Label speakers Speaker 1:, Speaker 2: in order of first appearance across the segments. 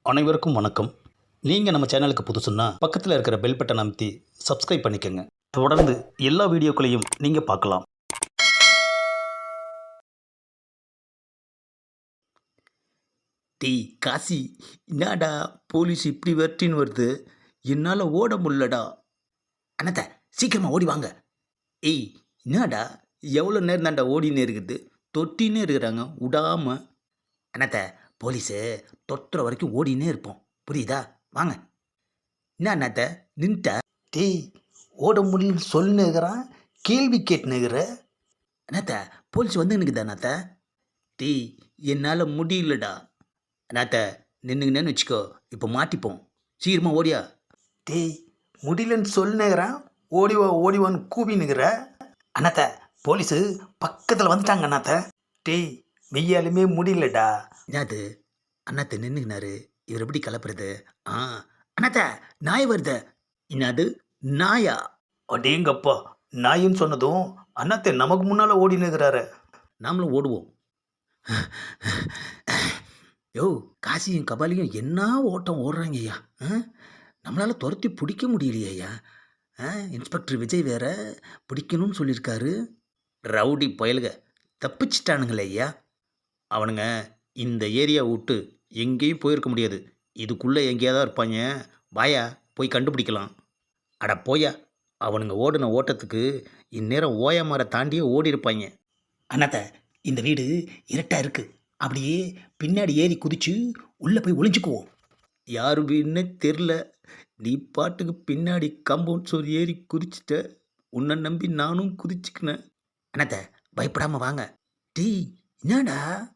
Speaker 1: அனைவருக்கும் வணக்கம். நீங்கள் நம்ம சேனலுக்கு புதுசுன்னா பக்கத்தில் இருக்கிற பெல் பட்டனை அமைத்தி சப்ஸ்கிரைப் பண்ணிக்கோங்க. தொடர்ந்து எல்லா வீடியோக்களையும் நீங்கள் பார்க்கலாம். டேய் காசி, என்னடா போலீஸ் இப்படி வெட்டின்னு வருது, என்னால் ஓட முடியலடா. அண்ணாத்த சீக்கிரமாக ஓடி வாங்க. ஏய் என்னடா, எவ்வளோ நேரம் தான்டா ஓடினே இருக்குது, தொட்டினே இருக்கிறாங்க விடாம. அண்ணாத்த போலீஸு தொட்டுற வரைக்கும் ஓடினே இருப்போம், புரியுதா? வாங்க. என்ன அண்ணாத்த நின்ட்ட? டேய் ஓட முடியலன்னு சொல்லுங்கிறான், கேள்வி கேட்டுனுங்கிற. அண்ணாத்த போலீஸ் வந்து நிற்குதா அண்ணாத்த? டேய் என்னால் முடியலடா. அண்ணாத்த நின்றுங்கன்னு வச்சுக்கோ, இப்போ மாட்டிப்போம், சீக்கிரமாக ஓடியா. டேய் முடியலன்னு சொல்லுங்கிறான், ஓடிவான்னு கூவினுங்கிற. அண்ணாத்த போலீஸு பக்கத்தில் வந்துட்டாங்க அண்ணாத்த. டேய் வெய்யாலுமே முடியலடா. என்னது அண்ணாத்த நின்றுக்கினாரு, இவர் எப்படி கலப்புறது? அண்ணாத்த நாய் வருது. என்னது நாயா? அடேங்கப்பா, நாயின்னு சொன்னதும் அண்ணாத்த நமக்கு முன்னால் ஓடினுக்கிறாரு. நாமளும் ஓடுவோம். யோ காசியும் கபாலியும் என்ன ஓட்டம் ஓடுறாங்க ஐயா. நம்மளால் துரத்தி பிடிக்க முடியலையே ஐயா. இன்ஸ்பெக்டர் விஜய் வேற பிடிக்கணும்னு சொல்லியிருக்காரு. ரவுடி பயலுக தப்பிச்சிட்டானுங்களே ஐயா. அவனுங்க இந்த ஏரியா விட்டு எங்கேயும் போயிருக்க முடியாது, இதுக்குள்ளே எங்கேயா தான் இருப்பாங்க. வாயா போய் கண்டுபிடிக்கலாம். அட போயா, அவனுங்க ஓடின ஓட்டத்துக்கு இந்நேரம் ஓயமரை தாண்டியே ஓடி இருப்பாங்க. அண்ணாத்த இந்த வீடு இருட்டாக இருக்குது, அப்படியே பின்னாடி ஏறி குதிச்சு உள்ளே போய் ஒளிஞ்சுக்குவோம். யார் வீடுன்னே தெரில, நீ பாட்டுக்கு பின்னாடி கம்பவுண்ட் சோறு ஏறி குதிச்சிட்ட, உன்னை நம்பி நானும் குதிச்சுக்கினேன். அண்ணாத்த பயப்படாமல் வாங்க. டீ என்னடா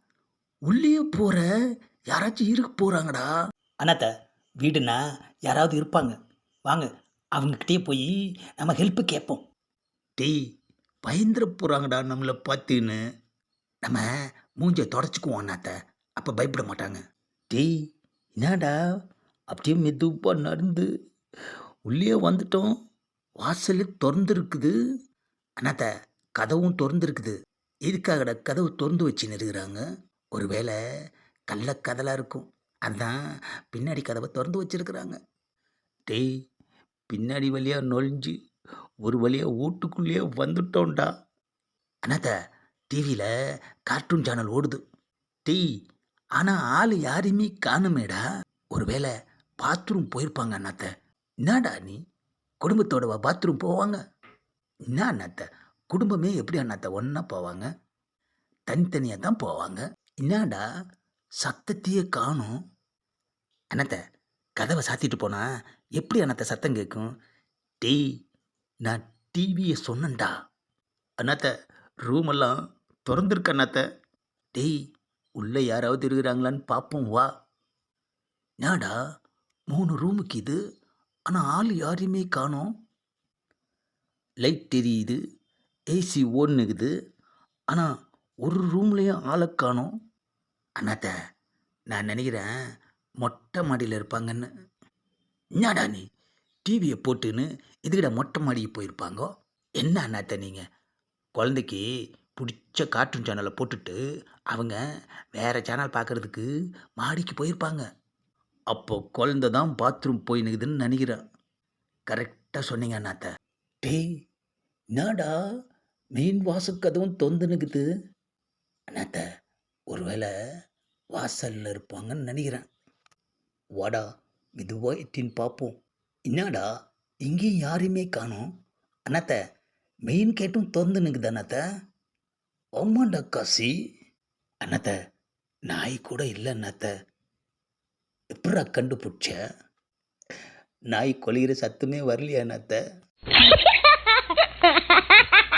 Speaker 1: உள்ளே போகிற, யாராச்சும் இருக்க போகிறாங்கடா. அண்ணாத்த வீடுனா யாராவது இருப்பாங்க, வாங்க அவங்கக்கிட்டே போய் நம்ம ஹெல்ப்பு கேட்போம். டேய் பயந்துட போகிறாங்கடா நம்மளை பார்த்துன்னு. நம்ம மூஞ்சை தொடச்சிக்குவோம் அண்ணாத்த, அப்போ பயப்பட மாட்டாங்க. டேய் என்னடா அப்படியே மெதுவாக நடந்து உள்ளே வந்துட்டோம், வாசல் திறந்துருக்குது. அண்ணாத்த கதவும் திறந்துருக்குது. எதுக்காகடா கதவு திறந்து வச்சுன்னு இருக்கிறாங்க? ஒருவேளை கள்ளக்கதலாக இருக்கும், அதுதான் பின்னாடி கதவை திறந்து வச்சுருக்குறாங்க. டேய் பின்னாடி வழியாக நொழிஞ்சு ஒரு வழியாக வீட்டுக்குள்ளேயே வந்துட்டோம்டா. அண்ணாத்த டிவியில் கார்ட்டூன் சேனல் ஓடுது. டேய் ஆனால் ஆள் யாரையுமே காணுமேடா. ஒருவேளை பாத்ரூம் போயிருப்பாங்க அண்ணாத்த. என்னடா நீ குடும்பத்தோட பாத்ரூம் போவாங்க? என்ன அண்ணாத்த குடும்பமே எப்படி அண்ணாத்த ஒன்றா போவாங்க? தனித்தனியாக தான் போவாங்க. என்னடா சத்தத்தையே காணும்? அண்ணாத்த கதவை சாத்திட்டு போனா எப்படி அண்ணாத்த சத்தம் கேட்கும்? டேய் நான் டிவியை சொன்னேன்டா. அண்ணாத்த ரூமெல்லாம் திறந்துருக்கு அண்ணாத்த. டேய் உள்ளே யாராவது இருக்கிறாங்களான்னு பார்ப்போம் வா. நாடா 3 ரூமுக்கு இது, ஆனால் ஆள் யாரையுமே காணோம். லைட் தெரியுது, ஏசி ஓடுனுக்குது, ஆனால் ஒரு ரூம்லேயும் ஆளை காணோம். அண்ணாத்த நான் நினைக்கிறேன் மொட்டை மாடியில் இருப்பாங்கன்னு. என்னடா நீ டிவியை போட்டுன்னு இதுக்கிட்ட மொட்டை மாடிக்கு போயிருப்பாங்கோ? என்ன அண்ணாத்த நீங்கள் குழந்தைக்கு பிடிச்ச கார்ட்டூன் சேனலை போட்டுட்டு அவங்க வேறு சேனல் பார்க்குறதுக்கு மாடிக்கு போயிருப்பாங்க. அப்போ குழந்தை தான் பாத்ரூம் போயினுக்குதுன்னு நினைக்கிறேன். கரெக்டாக சொன்னீங்க அண்ணாத்த. டேய் என்னடா மெயின் வாசக்கதவும் தொந்துனுக்குது. அண்ணாத்த ஒருவேளை வாசலில் இருப்பாங்கன்னு நினைக்கிறேன். வாடா மெதுவாக எட்டின்னு பார்ப்போம். என்னடா இங்கேயும் யாரையுமே காணோம். அண்ணாத்த மெயின் கேட்டும் திறந்து நிற்குது அண்ணாத்த. ஆமாண்டா காசி. அண்ணாத்த நாய் கூட இல்லை அண்ணாத்த. எப்படா கண்டுபிடிச்ச? நாய் கொலைகிற சத்தமே வரலையா அண்ணாத்த?